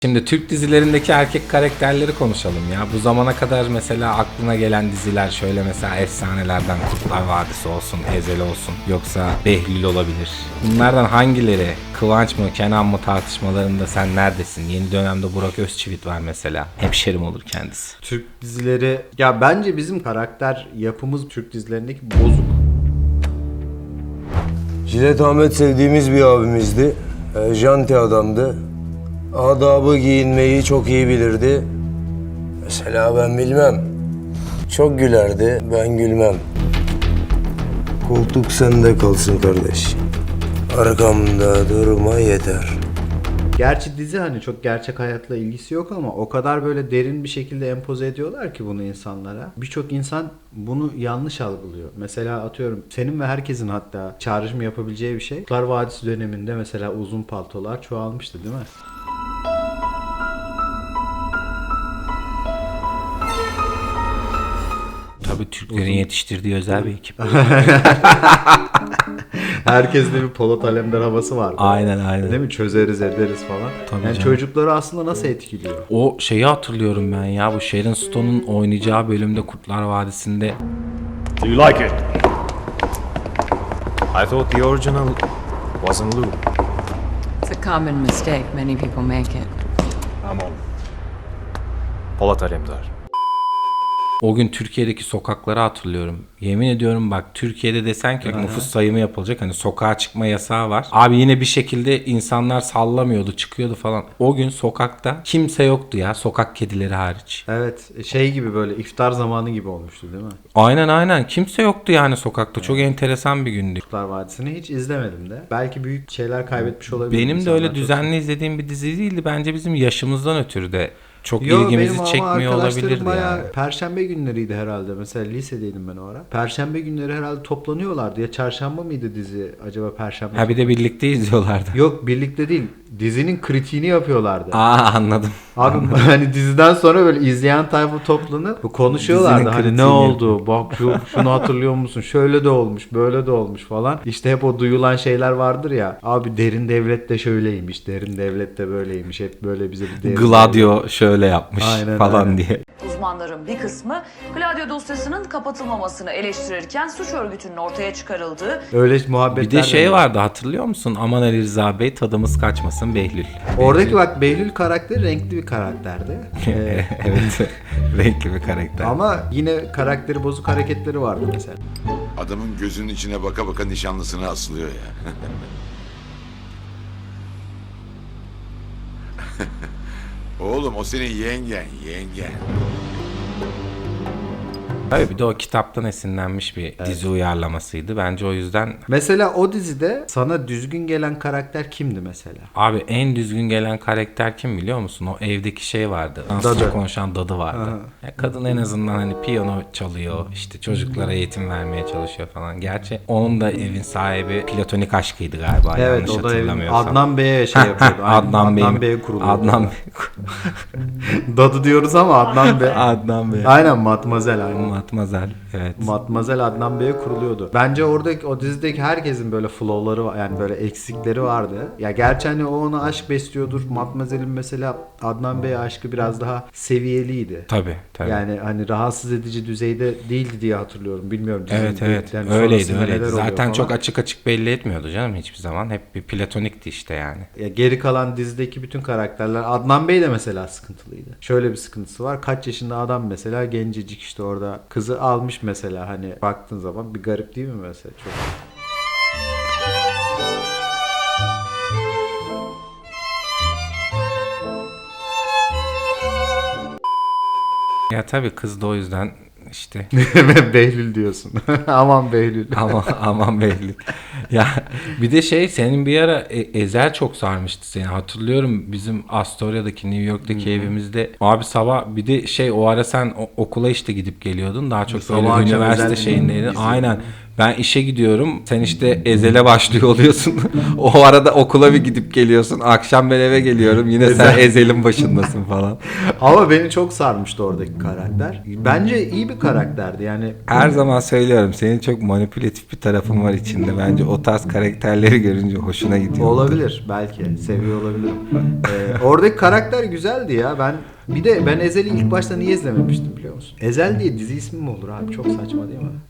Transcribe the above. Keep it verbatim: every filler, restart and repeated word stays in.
Şimdi Türk dizilerindeki erkek karakterleri konuşalım ya. Bu zamana kadar mesela aklına gelen diziler şöyle mesela efsanelerden Kurtlar Vadisi olsun, Ezel olsun, yoksa Behlül olabilir. Bunlardan hangileri, Kıvanç mı, Kenan mı tartışmalarında sen neredesin? Yeni dönemde Burak Özçivit var mesela. Hemşerim olur kendisi. Türk dizileri, ya bence bizim karakter yapımız Türk dizilerindeki bozuk. Jilet Ahmet sevdiğimiz bir abimizdi. E, janti adamdı. Adabı giyinmeyi çok iyi bilirdi. Mesela ben bilmem. Çok gülerdi, ben gülmem. Koltuk sende kalsın kardeş. Arkamda durma yeter. Gerçi dizi hani çok gerçek hayatla ilgisi yok ama o kadar böyle derin bir şekilde empoze ediyorlar ki bunu insanlara. Birçok insan bunu yanlış algılıyor. Mesela atıyorum senin ve herkesin hatta çağrışım yapabileceği bir şey. Kurtlar Vadisi döneminde mesela uzun paltolar çoğalmıştı değil mi? Tabii Türklerin yetiştirdiği özel bir ekip. Herkeste bir Polat Alemdar havası var. Aynen aynen. Değil mi? Çözeriz ederiz falan. Tabii yani canım. çocukları aslında nasıl etkiliyor? O şeyi hatırlıyorum ben ya, bu Sharon Stone'un oynayacağı bölümde Kurtlar Vadisi'nde. Do you like it? I thought the original wasn't Lou. It's a common mistake. Many people make it. I'm on. Polat Alemdar. O gün Türkiye'deki sokakları hatırlıyorum. Yemin ediyorum bak, Türkiye'de desen ki nüfus sayımı yapılacak, hani sokağa çıkma yasağı var. Abi yine bir şekilde insanlar sallamıyordu, çıkıyordu falan. O gün sokakta kimse yoktu ya, sokak kedileri hariç. Evet, şey gibi böyle iftar zamanı gibi olmuştu değil mi? Aynen aynen, kimse yoktu yani sokakta. Çok enteresan bir gündü. Kurtlar Vadisi'ni hiç izlemedim de. Belki büyük şeyler kaybetmiş olabilirim. Benim de İnsanlar öyle çok- düzenli izlediğim bir dizi değildi. Bence bizim yaşımızdan ötürü de çok Yo, ilgimizi benim çekmiyor ama olabilirdi arkadaşlarım bayağı yani. Perşembe günleriydi herhalde. Mesela lisedeydim ben o ara. Perşembe günleri herhalde toplanıyorlardı. Ya çarşamba mıydı dizi acaba perşembe? Ha bir de birlikte izliyorlardı. Yok, birlikte değil. Dizinin kritiğini yapıyorlardı. Aa anladım. Abi hani diziden sonra böyle izleyen tayfa toplanıp konuşuyorlardı. Dizinin Hani ne kritiğini oldu? Bak şu, şunu hatırlıyor musun? Şöyle de olmuş, böyle de olmuş falan. İşte hep o duyulan şeyler vardır ya. Abi derin devlet de şöyleymiş, derin devlet de böyleymiş. Hep böyle bize bir derin Gladio şöyle yapmış Aynen, falan aynen. diye. Uzmanların bir kısmı Gladio dosyasının kapatılmamasını eleştirirken suç örgütünün ortaya çıkarıldığı Öyle muhabbetler. Bir de şey var. vardı, hatırlıyor musun? Aman Ali Rıza Bey, tadımız kaçmasın Behlül. Oradaki bak Behlül karakteri renkli bir karakterdi. Ee, Evet. Renkli bir karakter. ama yine karakteri bozuk hareketleri vardı mesela. Adamın gözünün içine baka baka nişanlısını asılıyor ya. Oğlum o senin yengen, yengen. Tabii bir de o kitaptan esinlenmiş bir dizi uyarlamasıydı. Bence o yüzden Mesela o dizide sana düzgün gelen karakter kimdi mesela? abi en düzgün gelen karakter kim biliyor musun? O evdeki şey vardı. Dansçı konuşan dadı vardı. Ya kadın en azından hani piyano çalıyor, işte çocuklara eğitim vermeye çalışıyor falan. Gerçi onun da evin sahibi platonik aşkıydı galiba, Evet, yanlış o da evin- hatırlamıyorsam. Adnan Bey'e şey yapıyordu. Aynen, Adnan, Bey'in- Adnan Bey'e kuruluyordu. Adnan Bey. Dadı diyoruz ama Adnan Bey. Adnan Bey. Aynen, Matmazel aynen. Matmazel. Evet. Matmazel Adnan Bey'e kuruluyordu. Bence oradaki o dizideki herkesin böyle flow'ları var, yani böyle eksikleri vardı. Ya gerçi hani o ona aşk besliyordur. Matmazel'in mesela Adnan Bey'e aşkı biraz daha seviyeliydi. Tabii tabii. Yani hani rahatsız edici düzeyde değildi diye hatırlıyorum. Bilmiyorum. dizinin Evet evet yani öyleydi sonrasında öyleydi. neler oluyor Zaten falan. çok açık açık belli etmiyordu canım hiçbir zaman. Hep bir platonikti işte yani. Ya geri kalan dizideki bütün karakterler, Adnan Bey de mesela sıkıntılıydı. Şöyle bir sıkıntısı var. Kaç yaşında adam mesela, gencecik işte orada kızı almış mesela, hani baktığın zaman bir garip değil mi mesela çok. Ya tabii kız da o yüzden işte Behlül diyorsun. Aman Behlül. aman aman belli. Ya bir de şey, senin bir ara E- Ezel çok sarmıştı seni. Hatırlıyorum bizim Astoria'daki, New York'taki evimizde. Abi sabah bir de şey, o ara sen o- okula işte gidip geliyordum. Daha çok Sabah böyle akşam üniversite Ezel şeyindeydin. izliyordum. Aynen. Ben işe gidiyorum. Sen işte Ezel'e başlıyor oluyorsun. O arada okula bir gidip geliyorsun. Akşam ben eve geliyorum. Yine sen Ezel'in başındasın falan. Ama beni çok sarmıştı oradaki karakter. Bence iyi bir karakterdi yani. Her zaman söylüyorum. Senin çok manipülatif bir tarafın var içinde. Bence o tarz karakterleri görünce hoşuna gidiyor. Olabilir belki. Seviyor olabilirim. Ee, oradaki karakter güzeldi ya. Ben bir de ben Ezel'i ilk başta niye izlememiştim biliyor musun? Ezel diye dizi ismi mi olur abi? Çok saçma değil mi?